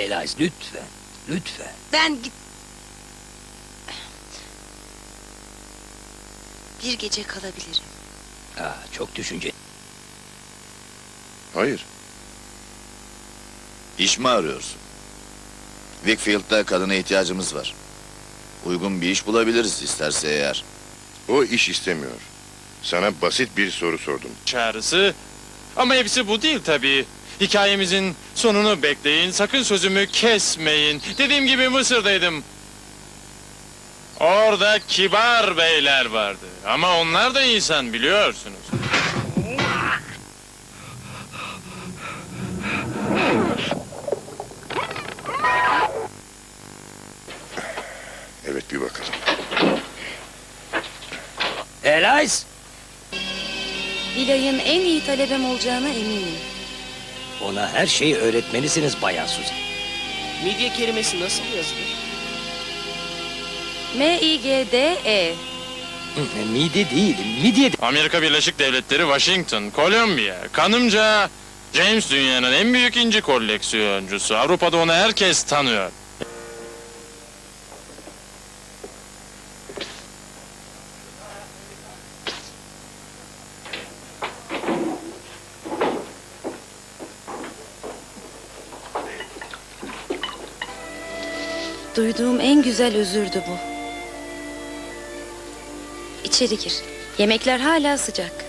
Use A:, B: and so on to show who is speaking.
A: Elias, lütfen, lütfen.
B: Ben git... Bir gece kalabilirim.
A: Çok düşünce.
C: Hayır.
D: İş mi arıyorsun? Wickfield'da kadına ihtiyacımız var. Uygun bir iş bulabiliriz isterse eğer.
C: O iş istemiyor. Sana basit bir soru sordum.
E: Çağrısı. Ama hepsi bu değil tabii. Hikayemizin sonunu bekleyin, sakın sözümü kesmeyin. Dediğim gibi Mısır'daydım. Orada kibar beyler vardı. Ama onlar da insan biliyorsunuz.
C: Evet, bir bakalım.
A: Elias!
B: Vilay'ın en iyi talebem olacağına eminim.
A: Ona her şeyi öğretmelisiniz Bayan Suzy.
F: Midye kelimesi nasıl yazılır?
B: M-I-G-D-E.
A: Mide değil, midye.
E: Amerika Birleşik Devletleri, Washington, Kolombiya. Kanımca James dünyanın en büyük inci koleksiyoncusu. Avrupa'da onu herkes tanıyor.
B: Duyduğum en güzel özürdü bu. İçeri gir. Yemekler hala sıcak.